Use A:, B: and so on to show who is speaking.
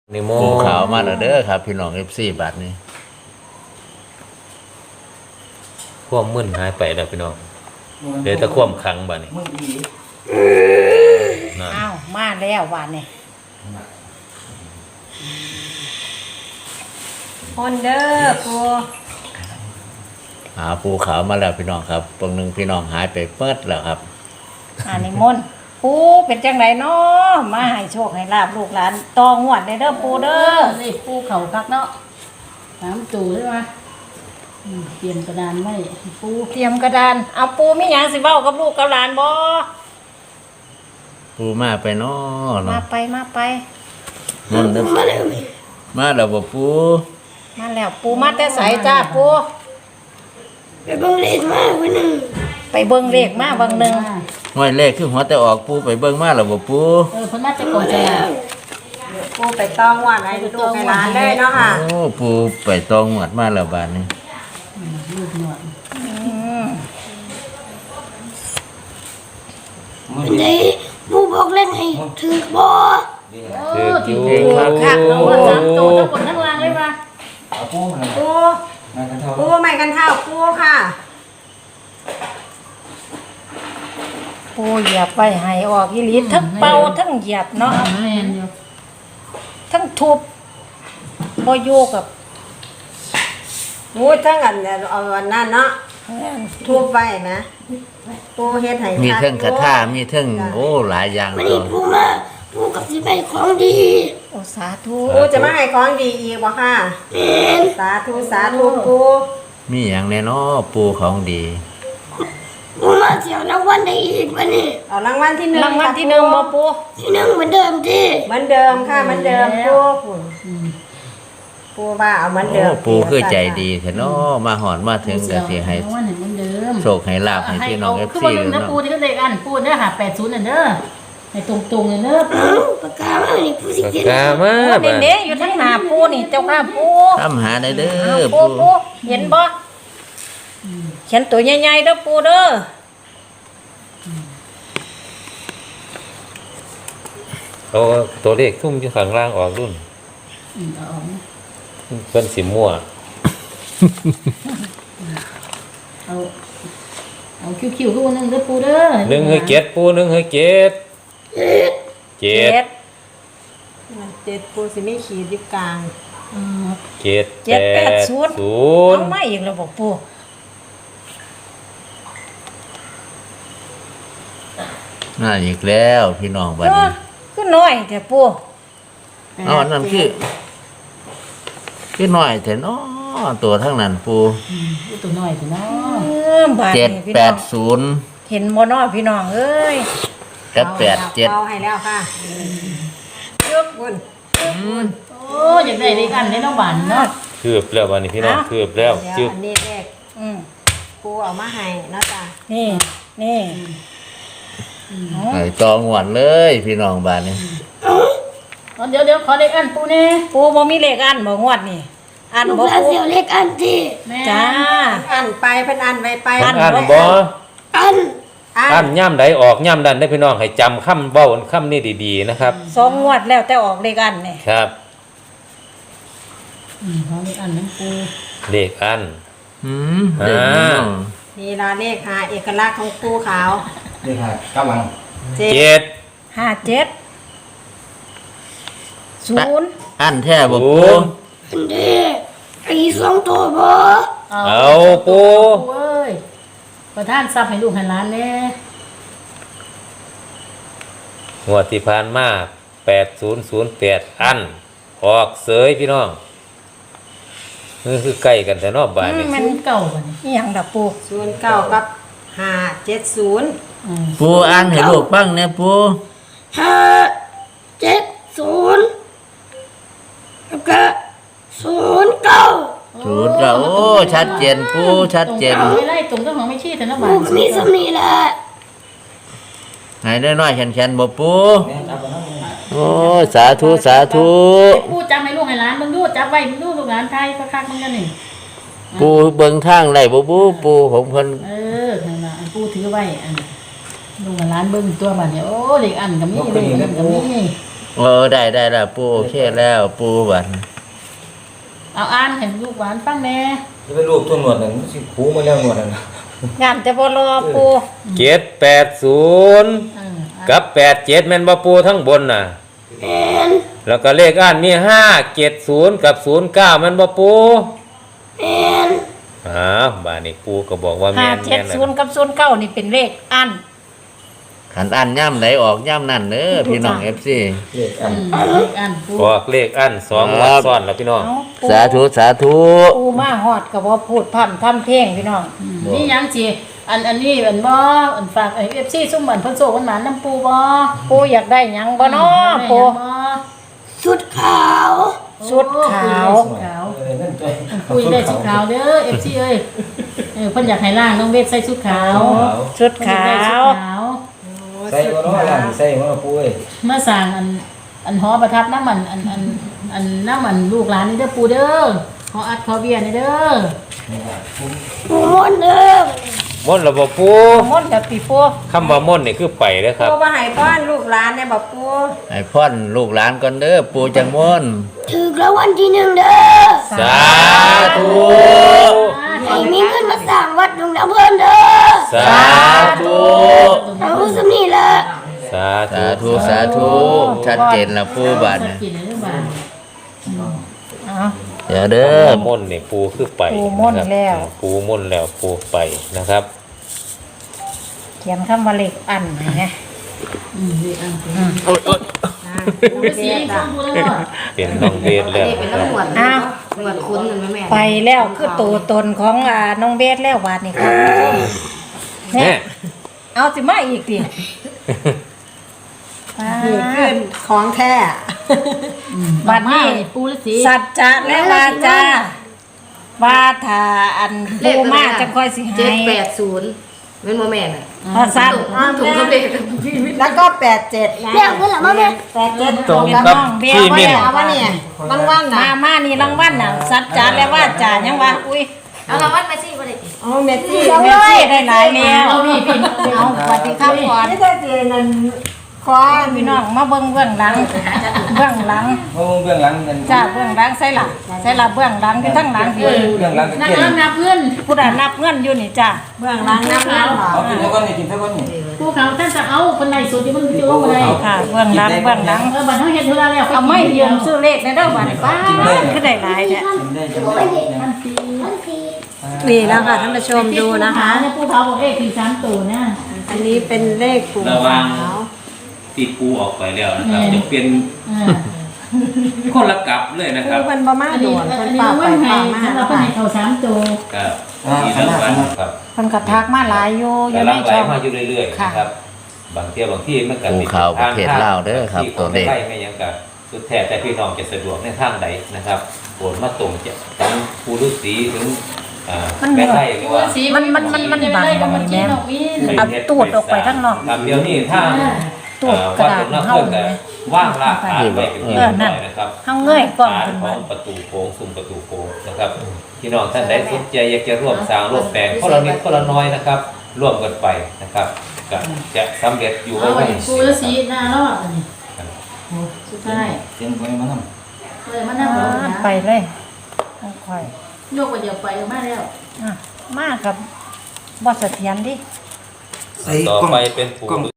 A: นิโม
B: ปูขาวมาแล้วเด้อครับพี่น้องFC บาทนี้
A: ความมึนหายไปแล้วพี่น้องเดี๋ยวจะความขังบ้านี้นั่น
C: อ้าวมาแล้ววันนี้คนเด้อปู
B: ปูขาวมาแล้วพี่น้องครับตรงนึงพี่น้องหายไปเปิดแล้วครับ
C: นิมนต์ปูเป็นจังไรเนาะมาให้โชคให้ลาบลูกหลานตองวดเด้อปูเด้อ
D: นี่ปูเขาคักเนาะน้ำจูใช่ไหมเตรียมกระดานไว้ปู
C: เตรียมกระดานเอาปูมีหยังสิเว้ากับลูกกับหลานบ่
B: ปูมาไปเนาะ
C: มาไปมาไป
B: นั่นเด้อมาแล้วบ่ปู
C: มาแล้วปูมาแต่ไสจ้าปู
E: ไปเบิ่งเลขมาวันหนึ่ง
C: ไปเบิ่งเลขมาเบิ่งหนึง
B: ห้อยเลขคือหัวแต่ออกปูไปเบิ่งมาแล้วบ่ปู
D: เพิ่นมาจะก่อนจะ
E: ปูไปต้องว่าไงลูกในร้านเลยเนาะค่ะ
B: โอ้ปูไปตองหวดมาแล้วบาดนี้
D: ลูกหนวด
E: เป็นไงปูบอกเล่นให้ถือบ่
D: ถืออยู่คักเนาะสามตัวทั้งบนทั้งล่างเลยป่ะ
E: ปูปูไม่กันเท่าปูค่ะ
C: ปูเหยียบไว้ให้ออกอีหลีทั้งเป่าทั้งเหยียบเนาะ
D: แม่นอยู่
C: ทั้งทุบบ่โยกกับ
E: ปูทั้งอันเอาวันนั้นเนาะทุบไว้นะปูเฮ็ดให้
B: มีเทิงคาถามีเทิงโอ้หลายอย่าง
E: วัน
B: ตั
E: นี้
B: ว
E: ปูมาปูกับสิไปของดี
C: โอ้สาธุ
E: ปูจะมาให้ของดีอีกบ่ค่ะสาธุสาธุปู
B: มีหยังแน่เนาะปูของดี
E: ปูมาเที่ยวรางวัลได้อีกวันนี้เอารางวัลที่หนึ่ง
C: รางวัลที่หนึ่งบ่ปู
E: ที่หนึ่งเหมือนเดิมที่เหมือนเดิมค่ะเหมือนเดิมปูปูว่าเอาเหมือน
B: โอ้
E: เดิม
B: ปูคือใจดีแท้เนาะมาหอดมาถึงก็สิให้
D: วันหนึ่งเหมือนเดิม
B: โชคให้ลาภให้พี่น้อง
D: คือ
B: FC
D: วันนึงนะ
B: เนาะ
D: ปูที่ก็เด็กอันปูเนี่ยหา80น่ะเด้อให้ตรงๆเลยเด้อ
E: ปากกามานี่ปูสิ
A: ปาก
E: เขียน
A: กามา
C: โอ้
A: บ้า
C: เด้ๆอยู่ทั้งหน้าปูนี่เจ้าค่ะปู
B: ทำหาได้เด้
C: อ้าว
B: อ
C: ปู
B: ปู
C: เห็นบ่เขียนตัวใหญ่ๆเด้อปูเด้อ
A: เอาตัวเลขทุ่มอยู่ข้างล่างออกรุ่น
D: เอาออกนะ
A: เพิ่นสิมั่ว
D: เอาคิวๆคือวันนึงเด้อปูเด้อ
A: หนึ่งให้เจ็ดปูหนึ่งให้เจ็ดเจ็ด
E: เจ็ดปูสิมีขีดอยู่กลาง
A: เจ็ด
C: 780
A: ศูน
C: เอา
A: ย์
C: มาอีกแล้วบ่ปู
B: น่าอีกแล้วพี่น้องบัด
C: เอ
B: นี้
C: อคือน้อยแต่ปู
B: เอาอันนั้นคือน้อยแต่เนาะตัวทั้งนั้นปู
D: ตัวน้อยสิเนาะ
C: บาดนี้พี่น้อง
B: 780
C: เห็นบ่น้อยพี่น้องเอ้ย
B: กับ
E: เอาให้แล้วค่ะยกบุญ
D: โอ้อยากได้เลขอันได้น้องบานเนาะ
A: คืบแล้ววันนี้พี่น้องคืบแล้ว
E: เดี๋ยว
A: จึ๊บ
E: อันนี้เลข
C: อืม
E: ปูเอามาให้เนาะจ้ะ
C: นี่นี่
B: 88ไอ้ตองหวนเลยพี่น้องบัดนี้
D: เดี๋ยวขอเลขอันปูนี่
C: ปูบ่มีเลขอันบ่งวดนี่อัน
E: ลูก
C: บ่
E: หลาน
C: ปู
E: เสียวเลขอันที่
D: แม่
C: จ้า
E: อันไปเพิ่นอันไว้ไป
A: อันบ่
E: อัน
A: อันย่ำใดออกย่ำดันได้พี่น้องให้จำคำเบ้าคำนี้ดีๆนะครับ
C: สองงวดแล้วแต่ออกเลขอันนี่
A: ครับ
D: ขอเลขอันน้ำปู
A: เลขอัน
B: เด็กน้อง
E: นี่ล่ะเลขหาเอกลักษณ์ของปูขาว
F: นี่ค่ะกำลัง
E: เจ็ด
A: เจ็ด
C: 57 0
B: อันแท้บ่
A: ศู
B: ปู
A: นย์
E: อันเด้ไอ้สองตัวบ่
A: เอาปู
D: เอ้ยประทานทรัพย์ให้ลูกให้หลานแน่
A: งวดที่ผ่านมา8008อันออกเสยพี่น้องนี่คือใกล้กันแต่นอกบ้านนี่
C: มัน
D: เก่าบัดนี้
C: อีหยังดอกปู
E: 09กับ570
B: ปูอ่านให้ลูกฟังแหน่ปู
E: 570แล้วก็09
B: ศูนย์ก็โอ้ชัดเจนปูชัดเจน
D: ไม่ไล่ตรงต้องของไม่ชี้แต่น้ำบา
E: ปู
D: น
E: ก็มีสำนีแหละ
B: ให้น้อยๆแข็งๆบ่ปู
F: แม่จับไปแล้ว
B: โอ้สาธุสาธุ
D: ปูจับให้ลูกให้หลานมึงดูจับไว้มึงดูลูกหลานไทยคักๆมึงกันนี่
B: ปูเบิ่งทางได้บ่ปูผมเพิ่น
D: นั่นล่ะปูถือไว้อันลูกให้หลานเบิ่งตัวบัดนี้โอ้เลขอันก็มีเลขอันก็มี
B: ได้แล้วปูโอเคแล้วปูบัด
D: เอาอ่านให้ลูกหวานฟังแน่
F: จะไปรูปตัวหนวดนั่นมันสิคูมาแล้วหนวดนั่นน่ะ
C: งานจะบ่รอปู
A: 780 กับ87แม่นบ่ปูทั้งบนน่ะแล้วก็เลขอันมี570กับ09แม่นบ่ปูบ้านนี้ปูก็บอกว่าแม่นๆนะ
C: 570กับ09นี่เป็นเลขอัน
B: ขันอันย่ำไหนออกย่ำนั่นเด้อพี่น้อง FC
F: เลขอัน
D: อ่านปู
A: บอกเลขอัน2วันซ้อนแล้วพี่น้อง
C: เอ้าปู
B: สาธุ
C: ปูมาฮอดก็บ่พูดพร่ำทำเพลงพี่น้อง
D: นี่ยังสิอันนี้อันบ่อันฝากไอ้ FC ซุ่มอันเพิ่นโซกันหมานน้ำปูบ่
C: ปูอยากได้หยังบ่น้อปู
D: ชุดขาว
C: ชุดขาว
D: ชุดขาว
F: นั่นตัว
D: ปูอยากได้ชุดขาวเด้อ FC เอ้ยเพิ่นอยากให้ล่างน้องเวทใส่ชุดขาว
C: ชุดขาว
F: ใส่บ่เนาะล่ะใส่บ่ปูเอ้ย
D: เมื่อสั่งอันหอประทับน้ำมันอันน้ำมันลูกหลานนี่เด้อปูเด้อขออัดขอเบียร์นี่เด้อ
A: ม่นต์ระบบปู
C: มนต์กับปีปู
A: คำว่าม่นต์นี่คือไปเด้อครับ
E: ปูบ่ให้ป้อนลูกหลานเนี่ยบอกปู
B: ๆให้พ่อนลูกหลานก่อนเด้อปูจังม่วน
G: ถูกแล้ววันที่หนึ่งเด้อ
A: สาธุ
G: ให้มีเงินมาสร้างวัดหลวงนาเพิ่นเด้อ
A: สาธุ
G: เอาสำนี่ละ
A: สา
B: สาธุชัดเจนแล้วปูบัด
D: สั
B: น่ะ
D: กกี่เด้อบาท
C: เอา
B: เดี๋ยวเด้อ
A: ม่นต์นี่ปูคือไป
C: ปูม่นต์แล้ว
A: ปูม่นต์แล้วปูไปนะครับ
C: เขียนคำว่าเลขอันนะ
D: ดีอ่ะปูฤาษีฟังปูแล้ว
A: เป็นน้องเบสแล้ว
E: เป็น
A: นะครับ
E: น้ำหวด
C: อ้าว
E: หวดคุ้นมันแม่
C: ไปแล้วคือตัวตนของน้องเบสแล้วบาดนี่ครับ
A: แน่
C: เอาสิมาอีกดิ
E: นี่ขึ้นของแท้
C: บัดนี้
D: ปูฤาษี
C: สัจจะและวาจาว่าถ้าอันปูมาจะค่อยสิให้
E: 780เป็นโมแม่น่ะ
C: พอสั้น
E: ถูกกับเลขแล้วก็87นะ
G: แม่เพิ่นละมาแม่
E: 87
A: ตรงกับที่มิน
E: เอาวะเนี่ยรางวัลน่ะ
C: มานี่รางวัลน่ะสัจจะและวาจายังว่าอุ้ย
E: เอารางวัลมาสิบ่ได้อ๋อเมสซี่
C: เมสซี่ได้หลายแล้ว
D: เอาพี่
C: เอาสวัสดีครับก่อน
E: นี่ถ้าเจนั่นขอ
C: พี่น้องมาเบิ่งเบื้องหลังเบื้องหลัง
F: โอ้เบื้องหลังนั่น
C: จ้าเบื้องหลังใส่หลังใส่หลังเบื้องหลังอยู่ทั้งหลังพี่
F: เบื้องหลังก็
D: นับ
F: เก่ง
D: นับเงิน
C: ผู้ใดนับเงินอยู่นี่จ้า
E: เบื้องหลังน้ำเงินเหรอ
F: เอากินแล้วก็นี่กินแล้วก็นี่
D: ปูเขาท่านจะเอาคนไหนสุดที่มันจะลงอะไร
C: ค่ะเบื้องหลังเบื้องหลัง
D: บัตรเขาเห็นเท่าไรแล้ว
C: เอาไม่ยืมซื้อเลขในเด้อบัดนี้ป้าคือได้หลายแท้
F: กินได้จะไม่ได้นะ
D: ท่านสี
E: นี่แล้วค่ะท่านผู้ชมดูนะคะ
D: เนี่ยปูเขาบอกเอ๊ะคือ3ตัวนะ
E: อันนี้เป็นเลขปู่
A: ระวัง
E: ขาว
A: ที่ปูออกไปแล้วนะครับจะเป็น
D: อ่า
A: คนละกลับเลยนะค
E: คื
A: รับ
E: อมันบ่มา
D: อัน
E: โด
D: นี้
E: น
D: อั
E: เพิ่
D: น
E: น
D: นี้
E: ป่าไป
D: ว่าไง
E: ป่ามา
D: ฉันเราเป็นให้เขา3ตัว
A: ครับมีรางวัลครับ
C: เพิ่นก็ทักมาหลายอยู่อยู่
A: กำ
C: ใน
A: ลังไหล
C: ช่อง
A: มาอยู่เรื่อยๆนะครับบางเที่ยวบางที่มันก็
B: ปูขาวประเทศลาวเด้อครับ
A: ที่
B: ตัวเลข
A: ไม่ไม่ยังกับสุดแท้แต่พี่น้องจะสะดวกในทางใดนะครับโปรดมาตรงจะทั้งปูฤาษีถึงแม่ไร่หรือว่า
C: มันบังบ่นี่แม่เอาตูดออกไปข้างนอก
A: ครับเดี๋ยวนี้ถ้า
C: ตูดกระดาษ
A: วัดหลวง
C: เฮา
A: พ่อแต่ว่างลากขาไว้เป็นที่
C: เออ
A: หน่
C: นั่
A: อน ยนะครับ
C: เฮาเงยกล้อง
A: ขา
C: ขึ้น
A: ข
C: มา
A: องประตูโค้งซุ้มประตูโค้งนะครับพี่น้องท่านใดสนใจอยากจะร่วมสร้างร่วมแต่งคนละนิดคนละน้อยนะครับร่วมกันไปนะครับจะสำเร็จอยู่
D: เอา
A: ไว้
D: ไอ้ปูฤาษีหน้ารอดอันนี้สุดท้าย
F: เสียงคนมาท
D: เลยมานั่งรอนะ
C: ไปเลยค่อย
D: โยกไปเดี๋ยวไปมาแล้ว
C: มากับบ่เสถียรดิ
F: ำใส่
A: ต่อก
F: ล้อง
A: ไปเป็นปู